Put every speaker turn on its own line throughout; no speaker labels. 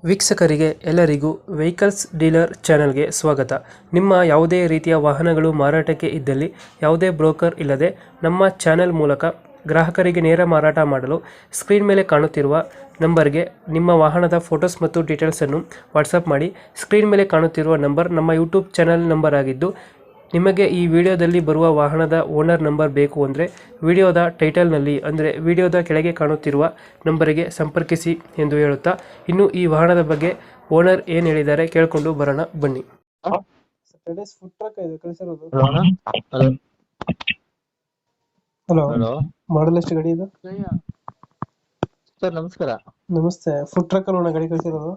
ವೀಕ್ಷಕರಿಗೆ ಎಲ್ಲರಿಗೂ vehicles dealer ಚಾನೆಲ್ಗೆ ಸ್ವಾಗತ. ನಿಮ್ಮ ಯಾವುದೇ ರೀತಿಯ ವಾಹನಗಳು ಮಾರಾಟಕ್ಕೆ ಇದ್ದಲ್ಲಿ ಯಾವುದೇ ಬ್ರೋಕರ್ ಇಲ್ಲದೆ ನಮ್ಮ ಚಾನೆಲ್ ಮೂಲಕ ಗ್ರಾಹಕರಿಗೆ ನೇರ ಮಾರಾಟ ಮಾಡಲು ಸ್ಕ್ರೀನ್ ಮೇಲೆ ಕಾಣುತ್ತಿರುವ ನಂಬರ್ಗೆ ನಿಮ್ಮ ವಾಹನದ ಫೋಟೋಸ್ ಮತ್ತು ಡೀಟೇಲ್ಸನ್ನು ವಾಟ್ಸಪ್ ಮಾಡಿ. ಸ್ಕ್ರೀನ್ ಮೇಲೆ ಕಾಣುತ್ತಿರುವ ನಂಬರ್ ನಮ್ಮ ಯೂಟ್ಯೂಬ್ ಚಾನೆಲ್ ನಂಬರ್ ಆಗಿದ್ದು, ನಿಮಗೆ ಈ ವಿಡಿಯೋದಲ್ಲಿ ಬರುವ ವಾಹನದ ಓನರ್ ನಂಬರ್ ಬೇಕು ಅಂದರೆ ವಿಡಿಯೋದ ಟೈಟಲ್ನಲ್ಲಿ ಅಂದರೆ ವಿಡಿಯೋದ ಕೆಳಗೆ ಕಾಣುತ್ತಿರುವ ನಂಬರಿಗೆ ಸಂಪರ್ಕಿಸಿ ಎಂದು ಹೇಳುತ್ತಾ, ಇನ್ನು ಈ ವಾಹನದ ಬಗ್ಗೆ ಓನರ್ ಏನು ಹೇಳಿದ್ದಾರೆ ಕೇಳಿಕೊಂಡು ಬರೋಣ ಬನ್ನಿ. ಹಲೋ,
ಹಲೋ
ಮಾಡಲ್ ಎಷ್ಟು ಗಾಡಿ ಇದು?
ಸರ್ ನಮಸ್ಕಾರ.
ನಮಸ್ತೆ. ಫುಡ್ ಟ್ರಕ್ ಅಲ್ಲ ಗಾಡಿ ಕಳಿಸಿರೋದು?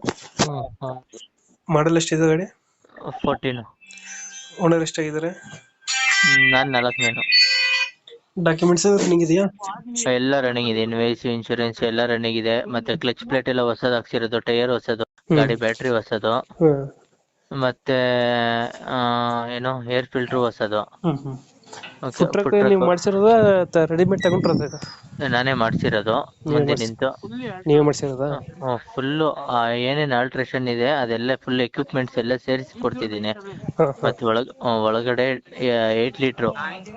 ಮಾಡಲ್ ಎಷ್ಟಿದೆ ಗಾಡಿ?
14.
ಓನರ್ ಎಷ್ಟಾಗಿದ್ದಾರೆ?
ನಾನ್ 4ನೇನು.
ಡಾಕ್ಯುಮೆಂಟ್ಸ್ ರನ್ನಿಂಗ್ ಇದೆಯಾ?
ಎಲ್ಲ ರನ್ನಿಂಗ್ ಇದೆ. ಇನ್ವಾಯ್ಸ್, ಇನ್ಶೂರೆನ್ಸ್ ಎಲ್ಲ ರನ್ನಿಂಗ್ ಇದೆ. ಮತ್ತೆ ಕ್ಲಚ್ ಪ್ಲೇಟ್ ಎಲ್ಲ ಹೊಸದು ಹಾಕ್ಸಿರೋದು, ಟೈರ್ ಹೊಸದು, ಗಾಡಿ ಬ್ಯಾಟ್ರಿ ಹೊಸದು, ಮತ್ತೆ ಏನು ಏರ್ ಫಿಲ್ಟರ್ ಹೊಸದು.
ಫುಡ್ ಟ್ರಕ್ ನೀವು ಮಾಡಿಸಿರೋದ ರೆಡಿಮೇಡ್ ತಗೊಂಡ್ರದ?
ನಾನೇ ಮಾಡ್ಸಿರೋದು. ಮುಂದೆ ನಿಂತು
ನೀವೇ ಮಾಡಿಸಿರೋದಾ?
ಫುಲ್ ಏನೇನ್ ಆಲ್ಟ್ರೇಷನ್ ಇದೆ ಅದೆಲ್ಲ ಫುಲ್ ಎಕ್ವಿಪ್ಮೆಂಟ್ಸ್ ಎಲ್ಲ ಸೇರಿಸಿ ಕೊಡ್ತಿದ್ದೀನಿ. ಮತ್ತೆ ಒಳಗಡೆ 8 ಲೀಟರ್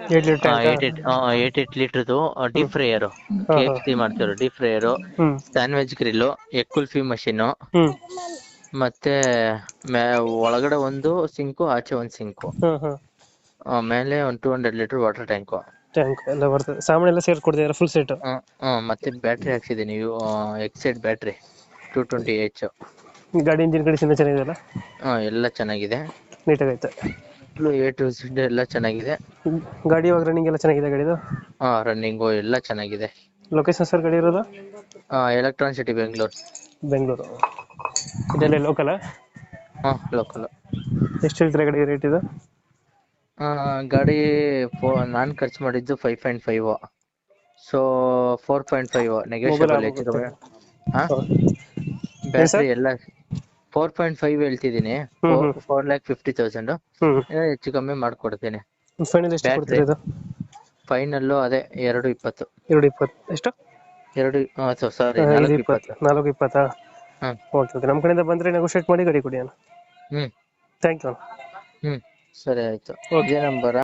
8 ಲೀಟರ್ದು ಡೀಪ್ ಫ್ರೈಯರ್, KFC ಮಾಡ್ತಿರೋ deep fryer, sandwich grill, egg kulfi machine, ಮತ್ತೆ ಒಳಗಡೆ ಒಂದು ಸಿಂಕು, ಆಚೆ ಒಂದು ಸಿಂಕು, ಮೇಲೆ ಒಂದು 200 ಲೀಟರ್ ವಾಟರ್ ಟ್ಯಾಂಕ್
ಎಲ್ಲ ಬರ್ತದೆ. ಸಾಮಾನು ಎಲ್ಲ ಸೇರ್ಸಿ ಕೊಡ್ತಿದ್ದೀರಾ ಫುಲ್ ಸೆಟ್?
ಮತ್ತೆ ಬ್ಯಾಟ್ರಿ ಹಾಕ್ಸಿದ್ದೀನಿ, ಎಕ್ಸೈಡ್ ಬ್ಯಾಟ್ರಿ 220H.
ಗಾಡಿ ಇಂಜಿನ್ ಕಂಡೀಷನ್ ಚೆನ್ನಾಗಿದೆಯಲ್ಲ?
ಎಲ್ಲ ಚೆನ್ನಾಗಿದೆ,
ನೀಟಾಗೈತೆ.
A to Z ಎಲ್ಲ ಚೆನ್ನಾಗಿದೆ.
ಗಾಡಿ ಇವಾಗ ರನ್ನಿಂಗ್ ಎಲ್ಲ ಚೆನ್ನಾಗಿದೆ ಗಾಡಿದು?
ರನ್ನಿಂಗು ಎಲ್ಲ ಚೆನ್ನಾಗಿದೆ.
ಲೊಕೇಶನ್ ಸರ್ ಗಾಡಿ ಇರೋದು?
Electron City,
Bengaluru. ಇದೆಲ್ಲ ಲೋಕಲ್?
ಲೋಕಲ್.
ಎಷ್ಟು ಹೇಳ್ತೀರಾ ಗಾಡಿ ರೇಟ್ ಇದು?
ಗಾಡಿ ನಾನ್ ಖರ್ಚು ಮಾಡಿದ್ದು 5.5, ಸೊ 4.5 ನೆಗೋಷಿಯಬಲ್. ಹೆಚ್ಚು ಕಮ್ಮಿ. ಬ್ಯಾಟ್ರಿ ಎಲ್ಲ 4.5 ಹೇಳ್ತಿದ್ದೀನಿ. 4,50,000 ಹೆಚ್ಚು ಕಮ್ಮಿ ಮಾಡ್ಕೊಡ್ತೀನಿ.
ಫೈನಲ್ ಎಷ್ಟು ಕೊಡ್ತೀರಾ ಇದು?
ಫೈನಲ್ಲು ಅದೇ 2.20.
2.20 ಎಷ್ಟು?
4.20.
4.20. ಓಕೆ, ನಮ್ಮ ಕಡೆಯಿಂದ ಬಂದ್ರೆ ನೆಗೋಷಿಯೇಟ್ ಮಾಡಿ ಗಾಡಿ ಕೊಡಿ ಅಣ್ಣ. Thank you.
ಸರಿ ಆಯ್ತು. ಇದೇ ನಂಬರ್.